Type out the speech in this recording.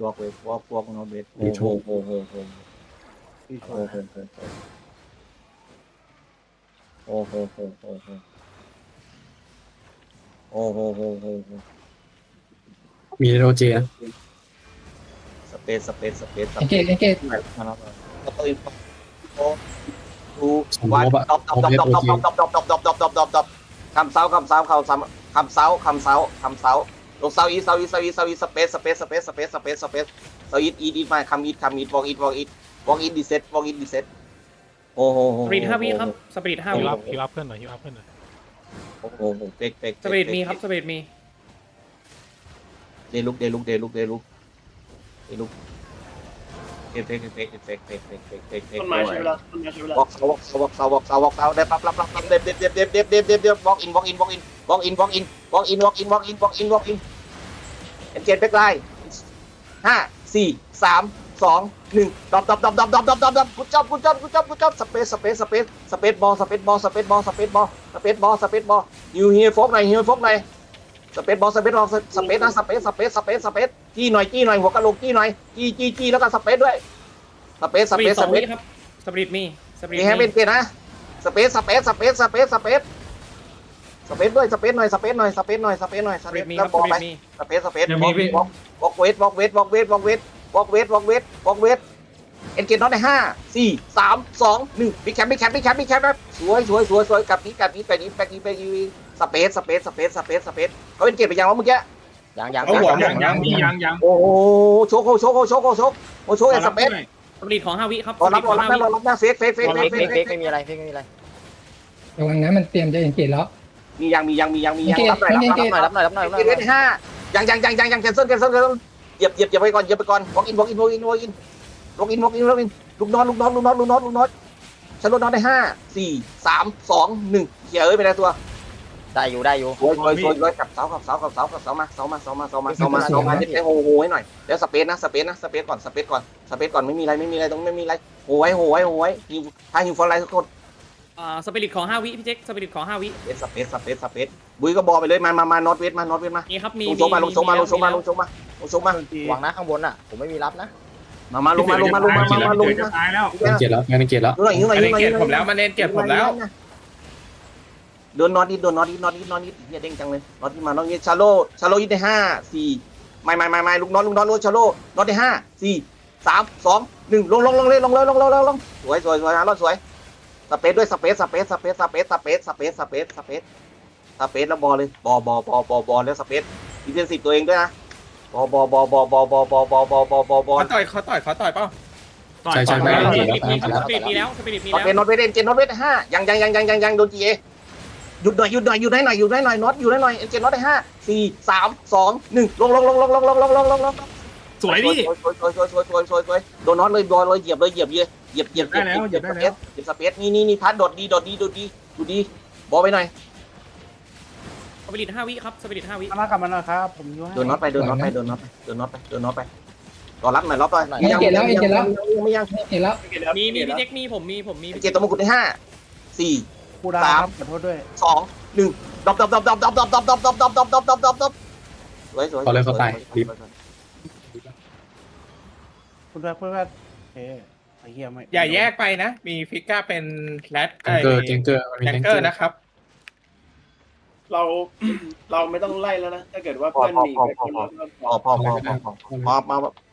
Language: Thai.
walk not wait โอ้โหโอ้โหโอ้โหพี่ชโอ้นโหโอ้โหโอ้โหโอ้โหโอ้โหโอ้โหโอ้โหมีโรเจนะสเปซเอนเกตมาแล้วก็ตื่นโอ้ดูสมมวันติว่าดอบคำเสาลงเสาอีเสาอีสเปซเสาอีมาคัมอีวอล์กอีดีเซ็ตโอ้โหสปิริต5 วิครับสปิริต5 วิฮิวอัพเพื่อนหน่อยฮิวอัพเพื่อนหน่อยโอ้โหเป๊กสปิริตมีครับสปิริตมีเดลุกเอฟเฟกต้นไม้ใช้เวลาต้นไม้ใช้เวลาวอล์กเสาได้ปั๊บรับเด็บวอล์กอินเอ็นเจนแบ็คไลน์5 4 3 2 1ดอบกูจับสเปซบอลฮิวโฟกหน่อยสเปซบอลจี้หน่อยหัวกะโหลกจี้หน่อยจี้แล้วก็สเปซด้วยสเปซสปิริต2 วิครับสปิริตมีสปิริตมีแฮมเป็นเกนะสเปซด้วยสเปซหน่อยแล้วบอลไปสเปซวอล์กเวทเอ็นเกนน็อตใน5 4 3 2 1บิ๊กแคมป์สวยกับนี้ไปนี้สเปซเขาเป็นเกตไปยังวะเมื่อกี้ยังยังโอ้โหโชกเอ็นสเปซสปิริตของ5 วิครับรอรับนะเฟกไม่มีอะไรระวังนะมันเตรียมจะเอนเกตแล้วมียังรับหน่อยรับหน่อยเกตใน5ยังแคนเซิลเหยียบไปก่อนวอล์กอินลูกน็อตฉันลดน็อตได้5 4 3 2 1เหี้ยไม่ได้ตัวได้อยู่สวยกับเสามาเจ็บโหให้หน่อยแล้วสเปซก่อนไม่มีอะไรตรงไม่มีอะไรโหยถ้าหิวฟอร์ไลท์ทุกคนสปิริตของ5 วิพี่เจ๊กสปิริตของ5 วิสเปซบุยก็บอลไปเลยมานอตเวทมามีครับมีลงโชกมาหวังนะข้างบนอ่ะผมไม่มีรับนะมาลงมาจะตายแล้วงานเกียรแล้วหิวหน่อยเกียรผมแล้วมันเน้นเกียรผมแล้วโดนน็อตนิดเฮียเด้งจังเลยน็อตที่มาน็อตนี้ชาโลยิงได้5 4ไม่ลูกน็อตชาโลน็อตได้5 4 3 2 1ลงเลยสวยสวยสเปซด้วยสเปซแล้วบอลเลยบอลแล้วสเปซดีเฟนซีฟตัวเองด้วยนะบอลเขาต่อยเปล่าใช่สปิริตมีแล้วน็อตเวทเจนน็อตเวท5ยังโดนจีเอหยุดหน่อยน็อตอยู่ได้หน่อยเจนน็อตได้5 4 3 2 1ลงสวยดิสวยโดนน็อตเลยเหยียบสเปซนี่พัดโดดดีดูดีบอลไปหน่อยสปิริต5 วิครับสปิริต5 วิมากลับมาหน่อยครับผมอยู่ให้โดนน็อตไปรอรับหน่อยไปไม่ยังเอนเกตแล้วมีพี่เจ๊กมีผมมีเจตตัวมงกุฎได้5 4 กูดาครับขอโทษด้วย 2 1ดอบสวยคุณด้วยเพื่อนเฮ้ไอ้เหี้ยไม่อย่าแยกไปนะ มีฟิก้าเป็นแรดเจงเกอร์มันมีแจงเกอร์นะครับเราไม่ต้องไล่แล้วนะถ้าเกิดว่าเพื่อนหนีไปคนละพอ